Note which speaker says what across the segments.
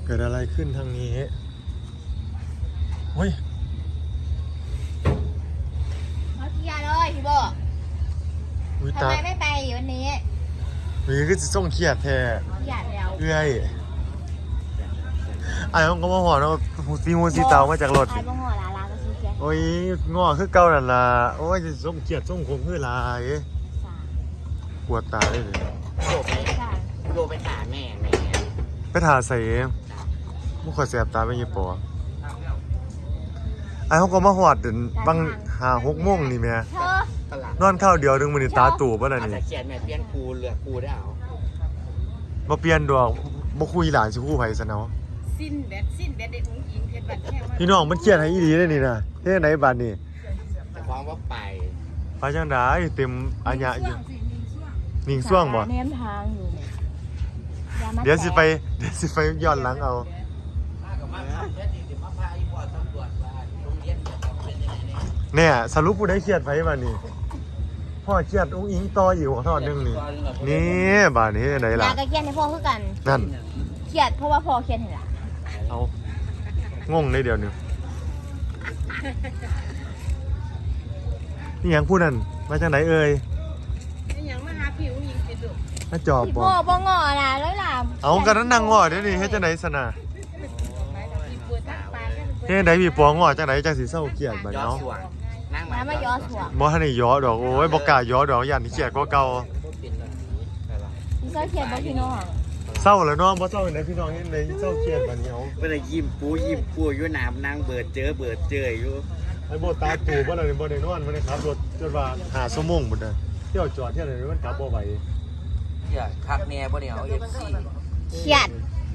Speaker 1: เกิดอะไรขึ้นทางนี้เฮ้ย
Speaker 2: เขาเคลียร์เลยพี่โบทำไมไม่ไปวันนี้
Speaker 1: มีก็จะส่งเครียดแท้
Speaker 2: เครียดแล้ว
Speaker 1: เอื้อยไอ้ห้องก็มาหอเนาะซีมูซีเตามาจากรถ
Speaker 2: ไอ้บ้องหัวลาก็ซื้อเครียด
Speaker 1: โอ้ยง้อคือเก่านั่นล่ะโอ้ยจะส่งเครียดส่งขมคือลายปวดตาเลย
Speaker 3: โดไปถามแม่
Speaker 1: ไปถ่าใส่มุขแสบตาไม่ยี่ปอไอ้ห้องก็มาหอดบาง5-6 โมงนี่แม่นอนข้าวเดียวนึงมันตาตู่ป่ะน่ะนี่
Speaker 3: เขียนแม่เปลี่ยนครูเหลือครูได้เอา
Speaker 1: บ่เปลี่ยนดอกบ่คุยหลานสิคู่ไผซะเนาะ
Speaker 4: สิ้นเด็ดได้อุ้งอิงเพชรบัดแค่ว่า
Speaker 1: พี่น้องมันเครียดให้อีหลีเลยนี่นะเฮ็ดไหนบัดนี้
Speaker 3: แต่ความว่าไป
Speaker 1: จังได๋เต็มอัญญะอยู่นิ่งซ่วงบ่
Speaker 2: เน้นทางอยู่
Speaker 1: เดี๋ยวสิไปย้อนหลังเอาเนี่ยสรุปผู้ใดเครียดไผบัดนี้พ่อเครียดอุ้งอิงต่ออยู่ของทอดนึงนี่บัดนี้ไหนล่ะ
Speaker 2: ยาก็เครียดให้พ่อคือกัน
Speaker 1: นั่น
Speaker 2: เครียดเพราะว่าพ่อเครียดให้ล่ะ
Speaker 1: เอางงเลยเดี๋ยวนี้นี่ยังพูดนั่นมาจากไหนเอ่ย
Speaker 4: นี่ยังมาหาผิวยิงติดดุ
Speaker 1: มาจอบบ่
Speaker 2: พ่อบ่งอน่ะเลยล่ะ
Speaker 1: เอากันนั้นนางงอเดี๋ยวนี้เฮ็ดจังได๋ซะน่ะเฮ็ดจังได๋พี่ปองงอจังได๋จังสิเศร้าเครียดบัดเนาะ
Speaker 2: น้ำมาย้อสวง
Speaker 1: บ่ทันได้ย้อดอกโอ้ยบ่กล้าย้อดอกย่านเครียดกว่าเก่า
Speaker 2: พี่เศร้าเครียดบ่พี่น้อง
Speaker 1: เศร้าแล้วน้องบ่เศร้าไหนพี่น้องเฮ็ดได้เศร้าเครียดบัดนี้เอา
Speaker 3: เพิ่นยิ้มปูอยู่น้ำนางเบิดเจออยู่
Speaker 1: ไอ้บ่ตาตู่บ่ได้บ่ได้นอนบ่ได้ขับรถจนว่า5 ชั่วโมงพุ่นน่ะเที่ยวจอดเที่ยวไหนมันกลับบ่ไหว
Speaker 3: คักแน่บ่เนี่ยเอา FC
Speaker 2: เครียด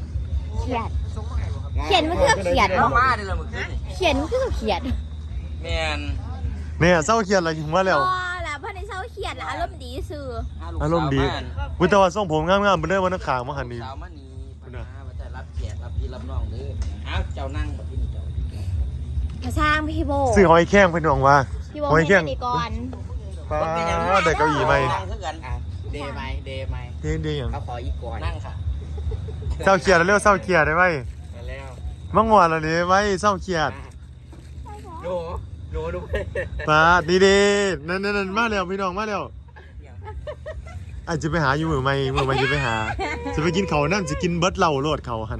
Speaker 2: มันคือเครียดเนาะ
Speaker 3: มาเด้อมื้อคืน
Speaker 2: เครียดมันคือเครียด
Speaker 3: แม่น
Speaker 1: เนี่ยเศร้าเครียดอะไรถึงว่าแล้ว
Speaker 2: ล่ะเพิ่นได้เศร้าเครียดล่ะอารมณ์ดีซื่อ
Speaker 1: อารมณ์ดีอุ๊ยแต่ว่าทรงผมงามๆเบิ่นเด้อว่านักข่าวมาหั่นนี่
Speaker 3: สาวมานี่พุ่นน่ะมาแต่รับแขกรับพี่รับน้องเด้ออ้าวเจ้านั่งบัดนี้เจ้า
Speaker 2: พระสร้างพี่โบ
Speaker 1: ซื้อหอยแข้งพี่น้องว่า
Speaker 2: หอยแข้งนี่ก่อน
Speaker 1: ป้าได้เก้าอี้ใหม่
Speaker 3: เดย์ไหมเ
Speaker 1: ดย์หยัง
Speaker 3: เขาขออีกก่อนนั่งค่ะ
Speaker 1: เศร้าเครียดแล้วเศร้าเครียดได้ไหม
Speaker 3: แล้ว
Speaker 1: มังงอนแล้วนี่ไว้เศร้าเครียด
Speaker 3: โดดู
Speaker 1: ป้าดีๆนั่นมาแล้วพี่น้องมาแล้วอาจจะไปหาอยู่มือใหม่จะไปหาจะไปกินเขานั่นจะกินเบิร์ดเหล้าโลดเขาหัน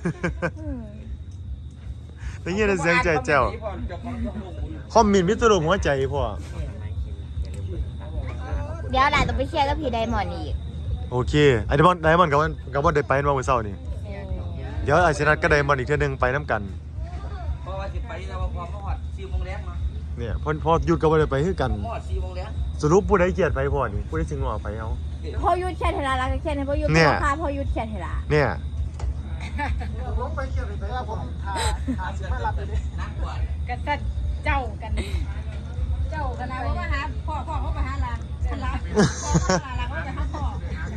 Speaker 1: แล้วเงี้ยเสียงใจแจ๋วคอมมินมิตรรูปหัวใจพ่อ
Speaker 2: เดี๋ยวหลานต้องไปเคลียร์กับพี่ไดมอนด์อีก
Speaker 1: โอเคไอ้ไดมอนด์กับว่าได้ไปมาเมื่อเช้านี่เดี๋ยวไอ้ชนัดก็ไดมอนด์อีกเท่านึงไปน้ำกัน
Speaker 3: เพราะว่าสิไปแล้วพอมาฮอด4 โมงแลงมา
Speaker 1: เนี่ยพอหยุดก็บ่ได้ไปคือกัน
Speaker 3: ฮอด4 โมงแลง
Speaker 1: สรุปผู้ใดเกลียดไปพ่อนี่ผู้ใดสิงอไปเอา
Speaker 2: พอยุดแค่เทลาแล้วแค่ให้พอยุดพาพอยุดแค่เทลา
Speaker 1: เนี่ย
Speaker 4: ผมไปเคลียร์ไปแล้วผมหาสิมารับเลยนั่งก่อนกันเจ้ากันนะว่ามาหาพ่อเขาไปหาหลานฉันรับพ่อเขาไปหาพ่อ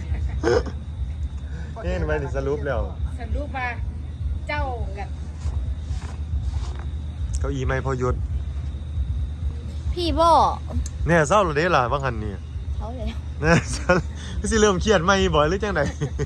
Speaker 1: นี่ไปดิสรุปแล้ว
Speaker 4: สรุปมาเจ้ากัน
Speaker 1: เก้าอี้ไม่พอหยุด
Speaker 2: พี่โบ
Speaker 1: เนี่ยเศร้าหรือเด้ล่ะบางหันนี่
Speaker 2: เขาเลย
Speaker 1: เนี่ยสิเริ่มเครียดไหมบ่อยหรือจังได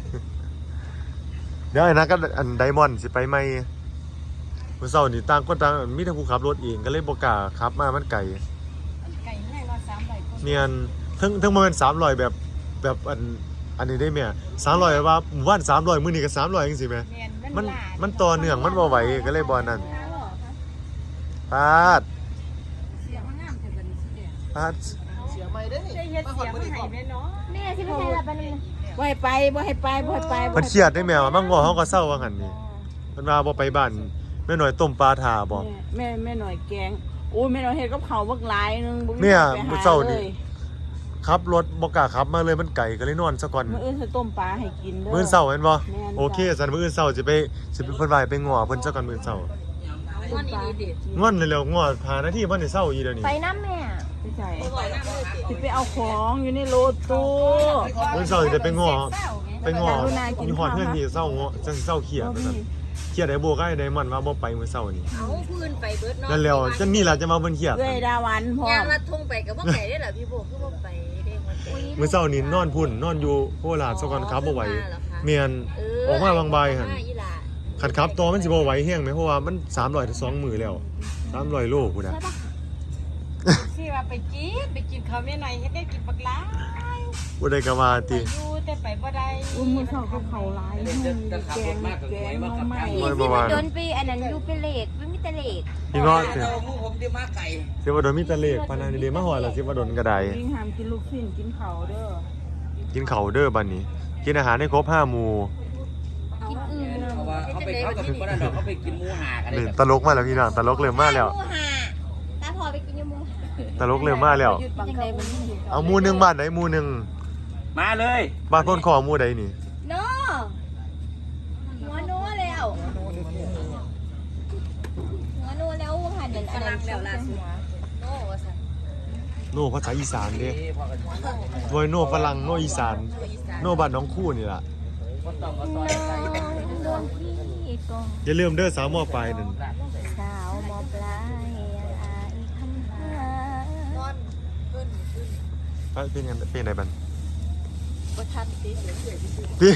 Speaker 1: เดี๋ยวไอ้นักก็อันไดมอนด์สิไปไหมเมื่อเช้านี่ต่างคนต่างมีทั้งผู้ขับรถเองก็เลยบ่กล้าขับมามันไกล
Speaker 4: ให้ว่า300คน
Speaker 1: เนียนทั้งมันเป็น300แบบอันนี้ได้แม่300ว่าหมู่บ้าน300มื้อนี้ก็300จังซี่แม่มันต่อเนื่องมันบ่ไหวก็เลยบ่นั่นปาด
Speaker 4: เสียงงามแต่บัดนี้สิ
Speaker 1: ปาด
Speaker 4: เสียใหม่เด้อนี่ได้เฮ็ดเสียงให้แม่เนาะ
Speaker 2: นี่สิไปใช้ละบัดนี้
Speaker 4: บ่ให้ไป
Speaker 1: เพิ่นเครียดได้แม่ว่ามังงอเฮาก็เศร้าว่าหั่นนี่เพิ่นว่าบ่ไปบ้านแม่น้อยต้มปลาท่าบ่
Speaker 4: แม่น้อยแกงโอ้ยแม่น้อยเฮ็ดกับข้าวบักหลายนึงบ่มี
Speaker 1: เนี่ยมื้อเช้านี่ขับรถบ่กล้าขับมาเลยมันไกลก็เลยนอนซะก่อน
Speaker 4: มื้ออื่นสิต้มปลาให้กินเด้อ
Speaker 1: มื้อเช้าแม่นบ่โอเคซั่นมื้ออื่นเช้าสิไปเพิ่นว่าไปง้อเพิ่นซะก่อนมื้อเช้า
Speaker 4: ง้อนอีดิ
Speaker 1: ง้อนแล้วง้อพานาทีบ่ได้เช้าอีเดี๋ยวนี้
Speaker 2: ไปน้ำแม่
Speaker 4: ไปใส่สิไปเอาของอยู่ในรถตู้
Speaker 1: มื้อเช้าสิได้ไปง้ออยู่ฮอดเฮือนนี่เช้าง้อจังสิเช้าเครียดว่าซั่นเครียดไอ้โบก็ไอ้ไดมอนด์ว่าบ่ไปมื้อเช้านี่
Speaker 4: เอาพื้นไปเบิดเนาะ
Speaker 1: นั่นแล้วจังนี่ล่ะจะมาเพิ่นเครียด
Speaker 4: เอ้ยดาวันพ่อย่างลัดทุ่งไปก็บ่ไกลได้ล่ะพี่โบคือบ่ไปได้
Speaker 1: มื้อเช้านี่นอนพุ่นนอนอยู่โคราชซะก่อนครับบ่ไหวเมียนออกมาบางบ่ายหั่นขัดครับตัวมันสิบ่ไหวแห้งไหมเพราะว่ามัน300ถึง2มื้อแล้ว300โลพุ่นน่ะ
Speaker 4: สิว่าไปกินข้าวแม่หน่อยเฮ็ดได้กินบักหลาย
Speaker 1: บ่ได้ก็มาติ
Speaker 4: อยู่แต่ไปบ่ได้
Speaker 5: มือสองกับเขาหลาย
Speaker 3: จะขับรถมากกับหวยมากกับไก่
Speaker 2: พี่ที่มันโดนไปอันนั้นอยู่เป็นเลขไม่มีแต่เลข
Speaker 1: พี่ง้อสิ
Speaker 3: เรามูผมที่มาไก่
Speaker 1: สิว่าโดนมีแต่เลขปานนั้นเด้มาฮอดแล้วสิว่าโดนก็ได้
Speaker 5: ยิ่งห้ามกินลูกชิ้นกินเขาเด้อ
Speaker 1: กินข้าวเด้อบัดนี้ กินอาหารให้ครบ5หมู่
Speaker 2: กินอื่น
Speaker 3: เพราะว่าเขากับคนนั้นดอกเขาไปกินหมูหากัน
Speaker 1: นี่ตลกมาแล้วพี่น้องตลกเริ่มมาแล้ว
Speaker 2: หมูหาตาพอไปกินยมูหา
Speaker 1: ตลกเริ่มมาแล้ว
Speaker 5: หยุดบังเขามันอยู่
Speaker 1: เอาหมู่หนึงบ้านไหนหมู่หนึง
Speaker 3: มาเลย
Speaker 1: บ้านพ้นคอหมู่ใดนี่
Speaker 2: โน่หัวโน่แล้วหัวโน่แล้วหันนั่นอันนั้นแล้วล่ะโน่ว่าซั่น
Speaker 1: โน่ภาษาอีสานเด้โดยโน่ฝรั่งโน่อีสานโน่บ้านน้องคู่นี่ล่ะ
Speaker 3: ก็ต้องมาซอยไก่
Speaker 2: โดนพี่กอง
Speaker 1: อย่าลืมเด้อสาวมอปลายนั่น
Speaker 2: สาวมอปลายอายคำหา
Speaker 1: เป็นยังเป็นไดบัน
Speaker 2: บ่ทันสิ
Speaker 1: พี่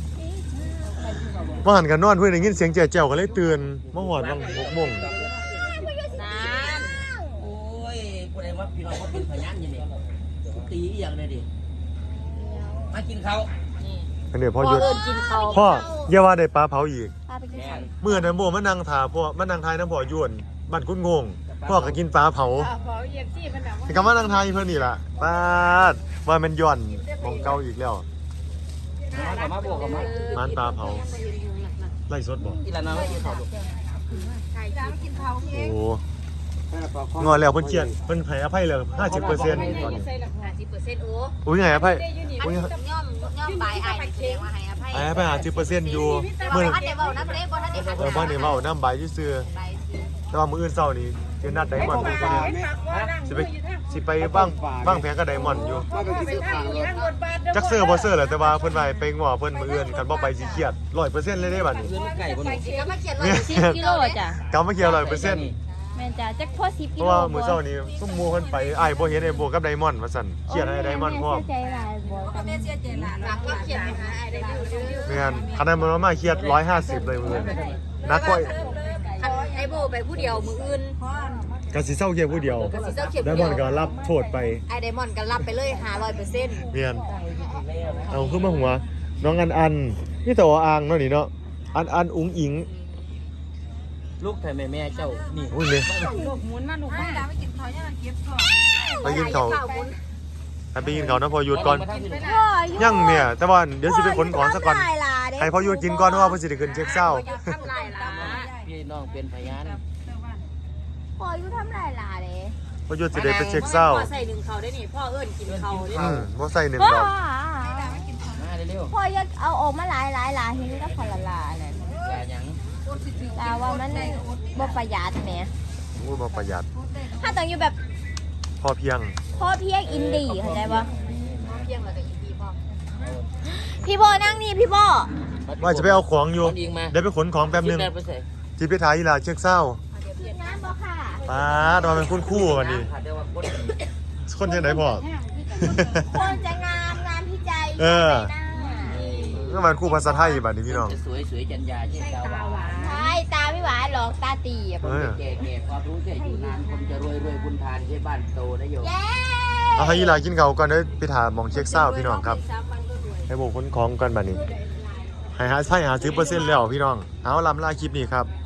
Speaker 1: ว่าหันกันนอนเพื่อนได้ยินเสียงแจ๋วๆก็เลยตื่นมาหอดวัง6 โมง
Speaker 3: นานโอ้ยคนไหนว่าพี่น้องเขาเป็นพยานยังไงตีอย่างเลยดิมากินเขา
Speaker 1: อันเดี๋ยวพ่อหยุด
Speaker 2: กินเขา
Speaker 1: พ่ออย่าว่าได้ปลาเผาอีก
Speaker 2: พาไปกิน
Speaker 3: แม่
Speaker 2: เขา
Speaker 1: เมื่อนั้นโมมานั่งถาพ่อมานั่งทายน้ำพ่อยวนบ้านกุ้งงงพ่อก็กินปลาเผา
Speaker 4: พอเย็นที่มันน่ะ
Speaker 1: ที่คำว่านั่งทายเพื่อนนี่ล่ะปาดว่ามันย่อนของเก่าอีกแล้ว
Speaker 3: มาบวกกับมา
Speaker 1: ร้านปลาเผาไล่สดบอก
Speaker 3: อีละน้องไม่กินเขา
Speaker 4: ไก่จ้ากินเขา
Speaker 1: โอ้งอนแล้วเพิ่นเจียนเพิ่นให้อภัยเลย50%ตอนนี้
Speaker 4: ใส่หลัก
Speaker 2: 50%
Speaker 4: 50%
Speaker 2: โอ้
Speaker 1: อุ้ยให้อภัย
Speaker 2: อันนี้ย่อมปลายอ้ายแสดงว่าให้อภัย
Speaker 1: ให้อภัย50%อยู่
Speaker 2: เมื่
Speaker 1: มื้
Speaker 2: อ
Speaker 1: อ
Speaker 2: ท่านได้เว้านำเด้บ่ท่านได้หัน
Speaker 1: บ่ได้เว้าน้ำใบซื่อ
Speaker 2: ไปสิ
Speaker 1: ๆแต่ว่ามื้ออื่นเช้านี้สินัดไดมอนด์ไปคนเดียวสิไปบ้างแผงกับไดมอนด์อยู่จักเซอร์บ่เซอร์แหละแต่ว่าเพิ่นว่าให้ไปง้อเพิ่นมื้ออื่นคันบ่ไปสิเครียด 100%เลยเด้บัดนี้
Speaker 3: เพื่อนไก่บนหนู
Speaker 2: ก็มาเขียนว่า10กิโลจ้ะ
Speaker 1: กำมาเครียด100%
Speaker 2: แม่นจ้ะจักพอ10
Speaker 1: เพ
Speaker 2: กิ
Speaker 1: ราะ
Speaker 2: โล
Speaker 1: ว่ามื้อเช้านี้ซุ่มหมู่เพิ่นไปอ้ายบ่เห็นไอ้โบกับไดมอนด์ว่าซั่นเครียดให้ไดมอนด์พร้อม
Speaker 2: ใจหลายบ่แม่เสียใจหลานรักก็เขียนให้อ้ายได้ดู
Speaker 1: แม่นคันนั้นมันมาเครียด150เลยมื้อนักกว่า
Speaker 2: ไอ้โบไปผู้เดียวมื้ออื่น
Speaker 1: ก็สิเซาเครียดผู้เดียว
Speaker 2: สิเจ้าเขียน
Speaker 1: ไดมอนด์ก็รับโทษไป
Speaker 2: ไอ้ไดมอนด์ก็รับไปเลย500%
Speaker 1: เมียนเอาขึ้นมาหัวน้องอันนี่แต่ว่าอ่างเนาะนี่เนาะอันอุ๋งอิง
Speaker 3: ลูกไทยแม่เจ้านี่
Speaker 1: อุ้ยเลย
Speaker 5: ลูกหมุนมาลูกมาไปกินเขายังเก็บของ
Speaker 1: ไปกินเขาไปกินเขานะพอหยุดก่อน
Speaker 2: พ่อ
Speaker 1: ยังเนี่ยแต่ว่าเดี๋ยวสิไปขนของซะก่อน
Speaker 2: ทำลายลาเด้
Speaker 1: ให้พอหยุดกินก่อนเพราะว่าเพิ่นสิได้ขึ้นเช็คเศร้า
Speaker 2: ทำลายลา
Speaker 3: พี่น้องเป็นพยาน
Speaker 2: พ่ออยู่ทำลายลาเด้
Speaker 1: พอหยุดสิได้ไปเช็คเศร้า
Speaker 4: ใส่หนึ่งเขาได้นี่พ่อเอิ้นกินเขาได้
Speaker 1: บ่ใส่หนึ่ง
Speaker 2: พ่อ
Speaker 1: ดอก
Speaker 3: มาเร็ว
Speaker 2: พ่ออยากเอาออกมาหลายลาเห็นก็พอละลานั่น
Speaker 3: ๆอย่าหยัง
Speaker 2: ลาว่ามันบ่ประหยัดแหม
Speaker 1: อุ้ยบ่ประหยัด
Speaker 2: ถ้าต้องอยู่แบบ
Speaker 1: พอเพียง
Speaker 2: พ่อเพียงอินดี้เข้าใจบ่เพียงแล้วก็อินดี้พ่อพี่โบนั่งนี่พี่โบ
Speaker 1: ว่าจะไปเอาของอยู่
Speaker 3: ยิงมา
Speaker 1: เดี๋ยวไปขนของแป๊บนึง
Speaker 3: ไปใส่
Speaker 1: สิไปถ่ายอีหลาเช็คเศร้า
Speaker 2: กินน้ำบ่ค่ะ
Speaker 1: ป๊าดว่าเป็นคุณครู่กันนี่
Speaker 3: เดี๋ยวว่าคน
Speaker 1: คนจังได๋พ่อ
Speaker 2: คนจะงามพี่ใจ
Speaker 1: เออ
Speaker 2: ใหน้า
Speaker 1: ก็มันครู่ภาษาไทยบัดนี้พี่น้อง
Speaker 3: สวยสวยจันยาเช่นดาวหวาน
Speaker 2: ใช่ตาไม่หวานหรอกตาตีอ่ะ
Speaker 1: เออ
Speaker 3: แก่ๆความรู้แก่อยู่นานคนจะรวยบุญทานใช่บ้านโตนะโยม
Speaker 2: เย้
Speaker 1: เอาให้อีหลากินเขาวก่อนเด้อไปถามหมองเช็คเศร้าพี่น้องครับ ให้โบกขนของกันบัดนี้ให้หาใช่หาซื้อเปอร์เซ็นต์แล้วพี่น้องเอาลำลาคลิปนี้ครับ